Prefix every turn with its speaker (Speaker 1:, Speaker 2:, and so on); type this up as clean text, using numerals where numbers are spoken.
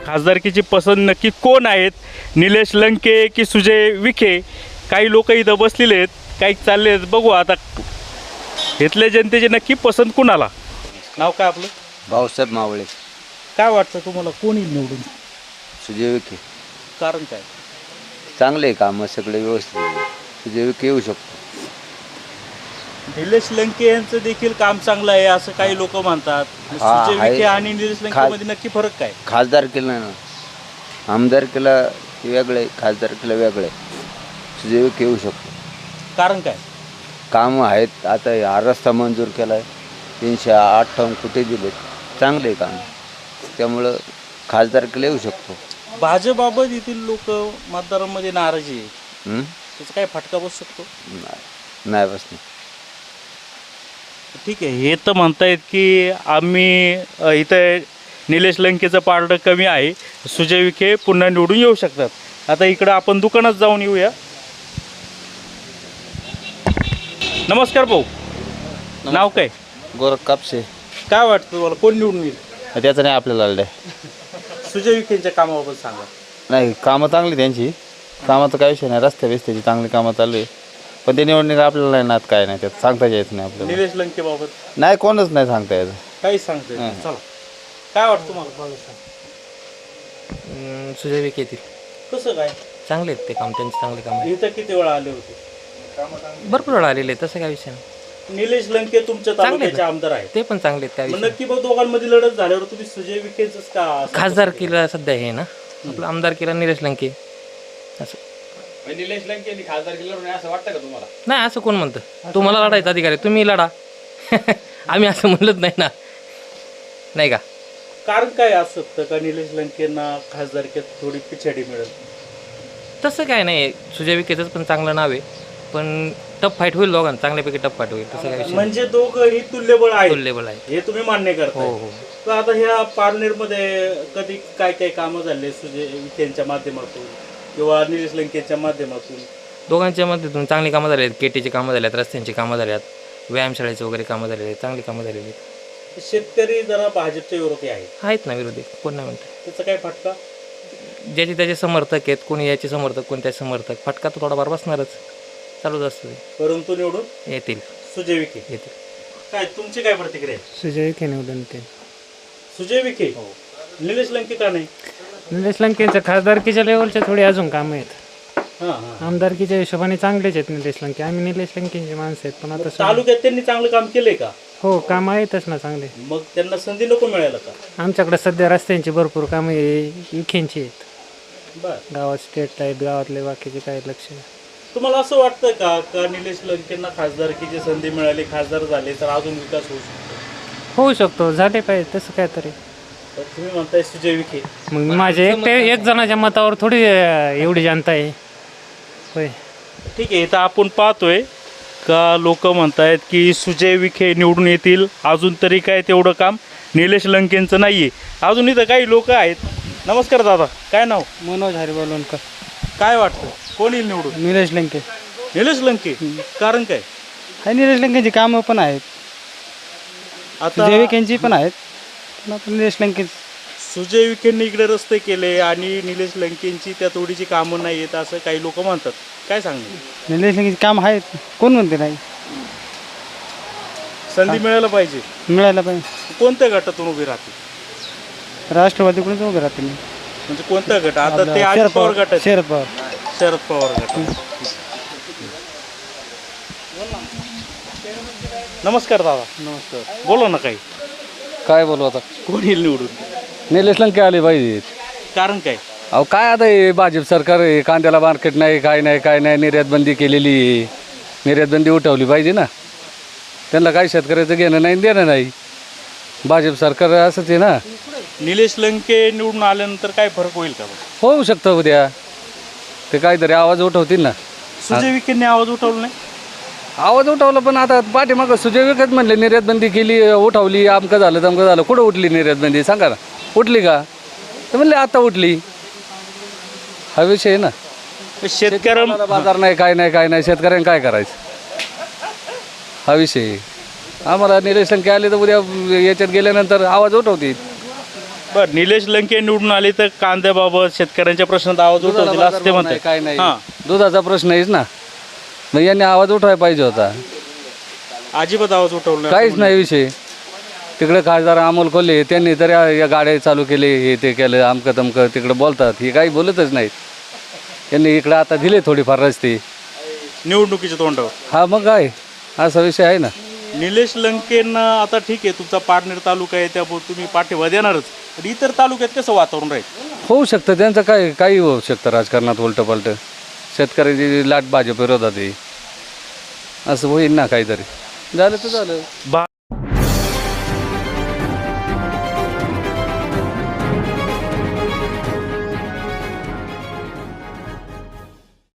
Speaker 1: खासदारकीची पसंत नक्की कोण आहेत, निलेश लंके की सुजय विखे? काही लोक इथं बसलेले आहेत, काही चालले आहेत. बघू आता इथल्या जनतेची नक्की पसंत कुणाला. नाव काय आपलं?
Speaker 2: भाऊसाहेब मावळे.
Speaker 1: काय वाटतं तुम्हाला कोण येईल निवडून?
Speaker 2: सुजय विखे.
Speaker 1: कारण काय?
Speaker 2: चांगले काम सगळे व्यवस्थित आहे. सुजय विखे येऊ शकतो.
Speaker 1: निलेश लंके यांचं देखील काम चांगलं आहे असं काही लोक म्हणतात. सुजय विखे आणि निलेश लंके मध्ये नक्की फरक काय?
Speaker 2: खासदार केला ना, आमदार केला वेगळे, खासदार केला वेगळे. सुजय विखे येऊ शकतो.
Speaker 1: कारण काय?
Speaker 2: कामं आहेत. आता हा रस्ता मंजूर केला आहे, 358 कोटी दिलेत, चांगले काम. त्यामुळं खासदार केला येऊ शकतो.
Speaker 1: भाजपबाबत येथील लोक मतदारांमध्ये नाराजी आहे, त्याचा काय फटका बसू शकतो?
Speaker 2: नाही बसणे.
Speaker 1: ठीक आहे, हे तर म्हणतायत की आम्ही इथं निलेश लंकेचं पारडं कमी आहे, सुजय विखे पुन्हा निवडून येऊ शकतात. आता इकडं आपण दुकानात जाऊन येऊया. नमस्कार भाऊ, नाव काय?
Speaker 2: गोरख कापसे.
Speaker 1: काय वाटतं तुम्हाला कोण निवडून येईल?
Speaker 2: त्याचं नाही आपल्याला आलं.
Speaker 1: सुजय विखेंच्या कामाबाबत सांगा.
Speaker 2: नाही, कामं चांगली त्यांची. कामाचं काय विषय नाही, रस्त्या बिस्त्याची चांगली कामं चालू आहे. पण ते निवडणूक आपल्याला नाही नात, काय नाही त्यात सांगता येत नाही आपल्याला.
Speaker 1: निलेश लंके बाबत
Speaker 2: नाही, कोणच नाही सांगता येत.
Speaker 1: काहीच सांगता येत नाही. चला, काय वाटतं तुम्हाला?
Speaker 3: सुजय विखे येतील.
Speaker 1: कसं काय?
Speaker 3: चांगले आहेत ते काम, त्यांचे चांगले काम आहे.
Speaker 1: इथं किती वेळा आले होते?
Speaker 3: भरपूर वेळा आलेले आहेत, तसं काय विषय नाही.
Speaker 1: निलेश लंके तुमच्या तालुक्याचे आमदार आहेत,
Speaker 3: ते पण चांगले आहेत, काय
Speaker 1: मग
Speaker 3: विषय
Speaker 1: नक्की मग दोघांमध्ये लढत झाल्यावर तुम्ही सुजय विखेच का?
Speaker 3: खासदार केला सध्या हे ना, आपलं आमदार केला निलेश लंके असं.
Speaker 4: निलेश लंके खासदार केलं असं वाटतं का तुम्हाला?
Speaker 3: नाही, असं कोण म्हणतं? तुम्हाला लढायचा अधिकार आहे, तुम्ही लढा. आम्ही असं म्हणलंच नाही ना, नाही का?
Speaker 1: कारण काय असं का निलेश लंकेंना खासदारकीत थोडी पिछाडी मिळेल?
Speaker 3: तसं काय नाही, सुजय विखेचंच पण चांगलं नाव आहे, पण टफ फाईट होईल दोघांना, चांगल्यापैकी टफ फाईट होईल, तसं काय विषय
Speaker 1: म्हणजे दोघंही तुल्यबळ आहे,
Speaker 3: तुल्यबळ आहे.
Speaker 1: हे तुम्ही मान्य करता?
Speaker 3: हो हो.
Speaker 1: तर आता ह्या पारनेरमध्ये कधी काय काय कामं झाले सुजय विखेंच्या माध्यमातून किंवा निलेश लंकेच्या माध्यमातून?
Speaker 3: दोघांच्या मध्येतून चांगली कामं झाली आहेत. केटीची कामं झाली आहेत, रस्त्यांची कामं झाली आहेत, व्यायामशाळेची वगैरे कामं झालेली आहेत, चांगली कामं झालेली आहेत.
Speaker 1: शेतकरी जरा भाजपच्या विरोधी आहेत
Speaker 3: ना विरोधी, कोण नाही म्हणतं.
Speaker 1: त्याचा काय फटका?
Speaker 3: ज्याचे त्याचे समर्थक आहेत, कोणी याचे समर्थक, कोणी त्याचे समर्थक, फटका तो थोडाफार बसणारच, चालूच असतो.
Speaker 1: परंतु निवडून
Speaker 3: येतील,
Speaker 1: सुजय विखे
Speaker 3: येतील.
Speaker 1: काय तुमची काय प्रतिक्रिया आहे?
Speaker 5: सुजय विखे निवडून ते.
Speaker 1: सुजय विखे, निलेश लंके का नाही?
Speaker 5: निलेश लंकेंचं खासदारकीच्या लेवलचे थोडे अजून कामं आहेत.
Speaker 1: हां हां.
Speaker 5: आमदारकीच्या हिशोबाने चांगलेच आहेत निलेश लंके. आम्ही निलेश लंकेंचे माणसं आहेत, पण आता
Speaker 1: तालुक्यात त्यांनी चांगलं काम केलंय का?
Speaker 5: हो, कामं आहेतच ना चांगले.
Speaker 1: मग त्यांना संधी नको मिळायला का?
Speaker 5: आमच्याकडे सध्या रस्त्यांची भरपूर कामं विखेंची आहेत.
Speaker 1: बर,
Speaker 5: गावात स्टेट लाईट, गावातले बाकीचे काही लक्ष.
Speaker 1: तुम्हाला असं वाटतं का निलेश लंकेंना खासदारकीची संधी मिळाली, खासदार झाले तर अजून विकास होऊ शकतो?
Speaker 5: होऊ शकतो, झाले पाहिजे तसं काय तरी.
Speaker 1: तर तुम्ही म्हणताय सुजय विखे.
Speaker 5: मग माझे एक जणाच्या मतावर थोडी एवढी जनता आहे. होय,
Speaker 1: ठीक आहे, इथं आपण पाहतोय का लोक म्हणतायत की सुजय विखे निवडून येतील, अजून तरी काय तेवढं काम निलेश लंकेंचं नाही आहे. अजून इथं काही लोक आहेत. नमस्कार दादा, काय नाव?
Speaker 5: मनोज हरिबालोणकर.
Speaker 1: काय वाटतं कोण येईल निवडून?
Speaker 5: निलेश लंके.
Speaker 1: निलेश लंके, कारण काय?
Speaker 5: हा, निलेश लंकेंची कामं पण आहेत,
Speaker 1: आता
Speaker 5: सुजय विखेंची पण आहेत, पण आता निलेश लंके.
Speaker 1: सुजय विखेंनी इकडे रस्ते केले आणि निलेश लंकेंची त्या तोडीची कामं नाही आहेत असं काही लोक म्हणतात. काय सांगणार?
Speaker 5: निलेश लंकेची काम आहेत, कोण म्हणते नाही?
Speaker 1: संधी मिळायला पाहिजे.
Speaker 5: मिळायला पाहिजे.
Speaker 1: कोणत्या गटातून उभी राहते?
Speaker 5: राष्ट्रवादीकडूनच उभे राहते मी.
Speaker 1: म्हणजे कोणता गट? आता ते अजित पवार गट आहे.
Speaker 5: शरद पवार.
Speaker 1: शरद पवार गट. नमस्कार दादा.
Speaker 4: नमस्कार.
Speaker 1: बोला ना काही.
Speaker 4: काय बोलू आता?
Speaker 1: कोण येईल निवडून?
Speaker 4: निलेश लंके आले पाहिजे.
Speaker 1: कारण काय?
Speaker 4: अहो काय आता हे भाजप सरकार आहे, कांद्याला मार्केट नाही, काय नाही, निर्यात बंदी केलेली आहे. निर्यात बंदी उठवली पाहिजे ना. त्यांना काही शेतकऱ्याचं घेणं नाही देणं नाही. भाजप सरकार असंच आहे ना.
Speaker 1: निलेश लंके निवडून आल्यानंतर काय फरक होईल का?
Speaker 4: होऊ शकतं उद्या ते काहीतरी आवाज उठवतील ना.
Speaker 1: सुजय विखेंनी आवाज उठवला नाही.
Speaker 4: आवाज उठवला पण आता पाठीमागं सुजय विखेच म्हणले निर्यात बंदी केली, उठवली, आमकं झालं तमकं झालं. कुठं उठली निर्यात बंदी सांगा ना? उठली का? तर म्हणले आता उठली. हा विषय आहे ना.
Speaker 1: शेतकऱ्यांना
Speaker 4: बाजार नाही, काय नाही, शेतकऱ्यांनी काय करायचं हा विषय. आम्हाला निलेश लंके आले तर उद्या याच्यात गेल्यानंतर आवाज उठवतील.
Speaker 1: बरं, निलेश लंके निवडून आले तर कांद्याबाबत शेतकऱ्यांच्या प्रश्नात आवाज उठवतील असं ते म्हणतात.
Speaker 4: काय नाही
Speaker 1: हां,
Speaker 4: दुधाचा प्रश्न आहेच ना, मग यांनी आवाज उठवायला पाहिजे होता.
Speaker 1: अजिबात आवाज उठवला
Speaker 4: काहीच नाही विषय. तिकडे खासदार अमोल कोल्हे त्यांनी तर या गाड्या चालू केले, हे ते केलं, अमकं तमकं तिकडे बोलतात, हे काही बोलतच नाहीत. त्यांनी इकडे आता दिले थोडीफार रस्ते.
Speaker 1: निवडणुकीच्या तोंडावर.
Speaker 4: हा मग काय असा विषय आहे ना.
Speaker 1: निलेश लंकेंना आता ठीक आहे, तुमचा पारनेर तालुका आहे त्यामुळे तुम्ही पाठिंबा देणारच, पण इतर तालुक्यात कसं वातावरण राहील?
Speaker 4: होऊ शकतं त्यांचं काही होऊ शकतं राजकारणात उलटं शेतकऱ्याची लाट भाजप विरोधात आहे, असं होईल ना काहीतरी. झालं तर झालं.